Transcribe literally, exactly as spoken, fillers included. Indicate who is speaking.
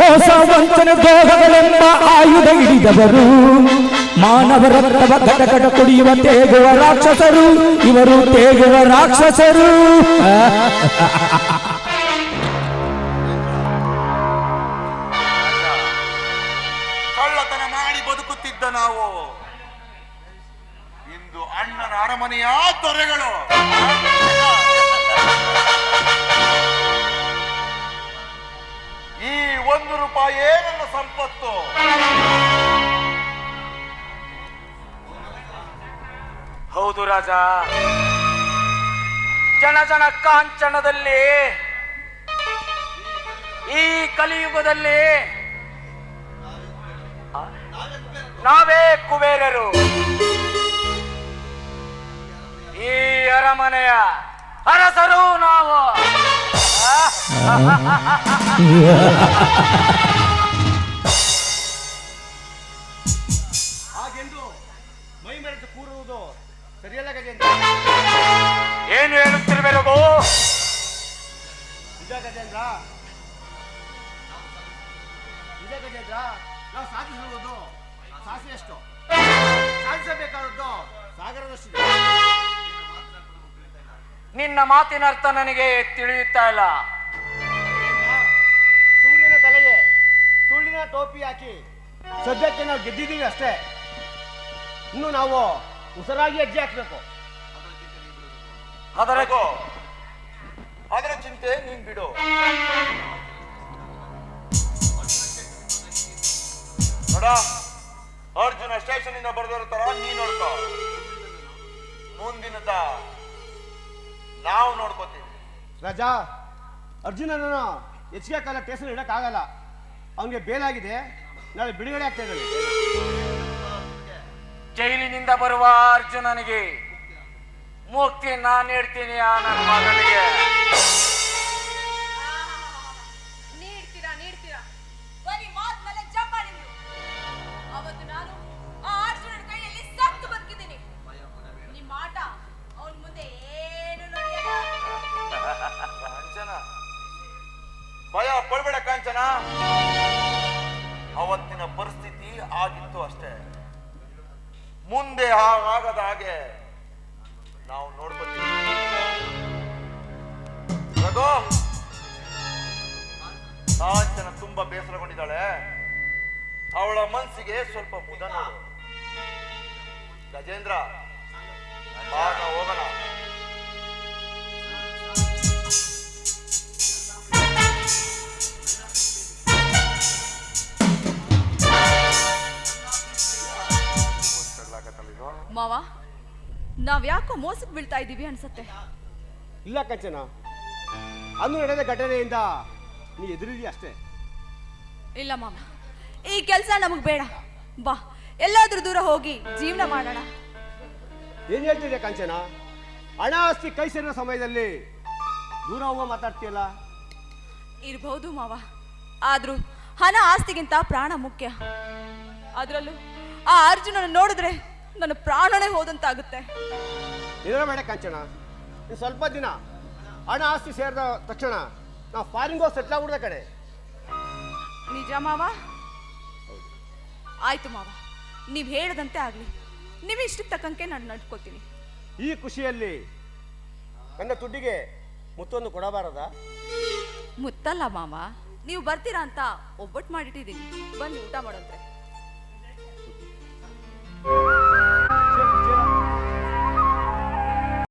Speaker 1: ಮೋಸ ವಂಚನೆ ದ್ರೋಹಗಳೆಂಬ ಆಯುಧ ಹಿಡಿದವರು, ಮಾನವ ರಕ್ತವ ಘಟಘಟ ಕುಡಿಯುವ ತೇಗುವ ರಾಕ್ಷಸರು ಇವರು, ತೇಗುವ ರಾಕ್ಷಸರು.
Speaker 2: ಕಳ್ಳತನ ಮಾಡಿ ಬದುಕುತ್ತಿದ್ದ ನಾವು ಇಂದು ಅಣ್ಣನ ಅರಮನೆಯ ದೊರೆಗಳು. ಈ ಒಂದು ರೂಪಾಯಿ ನನ್ನ ಸಂಪತ್ತು.
Speaker 3: ಹೌದು ರಾಜ, ಜನ ಜನ ಕಾಂಚನದಲ್ಲಿ ಈ ಕಲಿಯುಗದಲ್ಲಿ ನಾವೇ ಕುಬೇರರು. ಈ ಅರಮನೆಯ ಅರಸರು ನಾವು.
Speaker 4: ಹಾಗೆಂದು ಮೈ ಮೆರೆದು ಕೂರುವುದು ಸರಿಯಲ್ಲ ಗಜೇಂದ್ರ.
Speaker 3: ಏನು ಹೇಳುತ್ತಿರಬೇಕು?
Speaker 4: ನಿಜ ಗಜೇಂದ್ರ, ನಿಜ ಗಜೇಂದ್ರ. ನಾವು ಸಾಧಿಸಿರುವುದು ಸಾಸಿವೆಷ್ಟು, ಸಾಧಿಸಬೇಕಾದದ್ದು ಸಾಗರದಷ್ಟಿದೆ.
Speaker 3: ನಿನ್ನ ಮಾತಿನ ಅರ್ಥ ನನಗೆ ತಿಳಿಯುತ್ತಾ ಇಲ್ಲ.
Speaker 4: ಸೂರ್ಯನ ತಲೆಗೆ ಸುಳ್ಳಿನ ಟೋಪಿ ಹಾಕಿ ಸದ್ಯಕ್ಕೆ ನಾವು ಗೆದ್ದಿದ್ದೀವಿ ಅಷ್ಟೇ. ಇನ್ನು ನಾವು ಉಸಿರಾಗಿ ಹೆಜ್ಜೆ ಹಾಕ್ಬೇಕು.
Speaker 3: ಅದರ
Speaker 2: ಅದರ ಚಿಂತೆ ನೀನ್ ಬಿಡು. ನೋಡ, ಅರ್ಜುನ ಸ್ಟೇಷನ್ ಇಂದ ಬರೆದಿರೋ ತರ ನೀನ್ ನೋಡ್ಕೋ. ಮುಂದಿನದ ನಾವು ನೋಡ್ಕೋತೀವಿ.
Speaker 4: ರಾಜಾ, ಅರ್ಜುನನನ್ನು ಹೆಚ್ಚಿಗೆ ಕಾಲ ಸ್ಟೇಷನ್ ಇಡಕ್ಕಾಗಲ್ಲ. ಅವನಿಗೆ ಬೇಲಾಗಿದೆ, ನಾಳೆ ಬಿಡುಗಡೆ ಆಗ್ತಾ ಇದ್ದಾನೆ.
Speaker 3: ಜೈಲಿನಿಂದ ಬರುವ ಅರ್ಜುನನಿಗೆ ಮುಕ್ತಿ ನಾನು ನೀಡ್ತೀನಿ. ಆ ನನ್ನ ಮಗನಿಗೆ
Speaker 5: ನೀಡ್ತೀರಾ ನೀಡ್ತೀರಾ ಬರೀ ಮಾತ್ ಮೇಲೆ ಜಂಬಾಡಿ. ಅವತ್ತು ನಾನು ಆ ಅರ್ಜುನನ ಕೈಯಲ್ಲಿ ಸತ್ತು ಬದುಕಿದ್ದೀನಿ. ನಿಮ್ಮ ಆಟ ಅವನ್ ಮುಂದೆ ಏನು ನಡೆಯಲ್ಲ.
Speaker 2: ಕಾಂಚನ, ಭಯ ಪಡ್ಬೇಡ ಕಾಂಚನ. ಅವತ್ತಿನ ಪರಿಸ್ಥಿತಿ ಆಗಿತ್ತು ಅಷ್ಟೇ. ಮುಂದೆ ಆಗದ ಹಾಗೆ ನಾವು ನೋಡ್ಕೊತೀವಿ. ರಘು, ಕಾಂಚನ ತುಂಬಾ ಬೇಸರಗೊಂಡಿದ್ದಾಳೆ. ಅವಳ ಮನಸ್ಸಿಗೆ ಸ್ವಲ್ಪ ಮುದ ನೋಡು. ಗಜೇಂದ್ರ, ಬಾ ನಾವು ಹೋಗೋಣ.
Speaker 5: ಮಾವ, ನಾವ್ ಯಾಕೋ ಮೋಸಕ್ಕೆ ಬೀಳ್ತಾ ಇದ್ದೀವಿ ಅನ್ಸತ್ತೆ.
Speaker 4: ಇಲ್ಲ ಕಂಚನ, ಅಂದು ನಡೆದ ಘಟನೆಯಿಂದ ನೀ ಎದುರಿದೀಯ ಅಷ್ಟೇ.
Speaker 5: ಇಲ್ಲ ಮಾವ, ಈ ಕೆಲಸ ನಮಗ್ ಬೇಡ. ಬಾ, ಎಲ್ಲಾದ್ರೂ ದೂರ ಹೋಗಿ ಜೀವನ ಮಾಡೋಣ.
Speaker 4: ಏನ್ ಹೇಳ್ತಿದ್ದೆ ಕಂಚನ? ಹಣ ಆಸ್ತಿ ಕೈ ಸೇರಿದ ಸಮಯದಲ್ಲಿ ದೂರ ಹೋಗೋ ಮಾತಾಡ್ತೀಯಲ್ಲ.
Speaker 5: ಇರಬಹುದು ಮಾವ, ಆದ್ರೂ ಹಣ ಆಸ್ತಿಗಿಂತ ಪ್ರಾಣ ಮುಖ್ಯ. ಅದ್ರಲ್ಲೂ ಆ ಅರ್ಜುನನ ನೋಡಿದ್ರೆ ನನ್ನ ಪ್ರಾಣನೇ ಹೋದಂತಾಗುತ್ತೆ.
Speaker 4: ಬೇಡ ಕಂಚನ, ಇನ್ನು ಸ್ವಲ್ಪ ದಿನ ಹಣ ಆಸ್ತಿ ಸೇರಿದ ತಕ್ಷಣ ನಾವು ಫಾರಿನ್ಗೋ ಸೆಟ್ಲ್ ಆಗ್ಬಿಡ್ದ ಕಡೆ.
Speaker 5: ನಿಜ ಮಾವ? ಆಯ್ತು ಮಾವ, ನೀವ್ ಹೇಳದಂತೆ ಆಗ್ಲಿ. ನೀವು ಇಷ್ಟಕ್ಕೆ ತಕ್ಕಂಗೆ ನಾನು ನಡ್ಕೋತೀನಿ.
Speaker 4: ಈ ಖುಷಿಯಲ್ಲಿ ನನ್ನ ತುಡ್ಡಿಗೆ ಮುತ್ತೊಂದು ಕೊಡಬಾರದ?
Speaker 5: ಮುತ್ತಲ್ಲ ಮಾವ, ನೀವು ಬರ್ತೀರಾ ಅಂತ ಒಬ್ಬಟ್ಟು ಮಾಡಿಟ್ಟಿದ್ದೀನಿ. ಬನ್ನಿ ಊಟ ಮಾಡೋದ್ರೆ.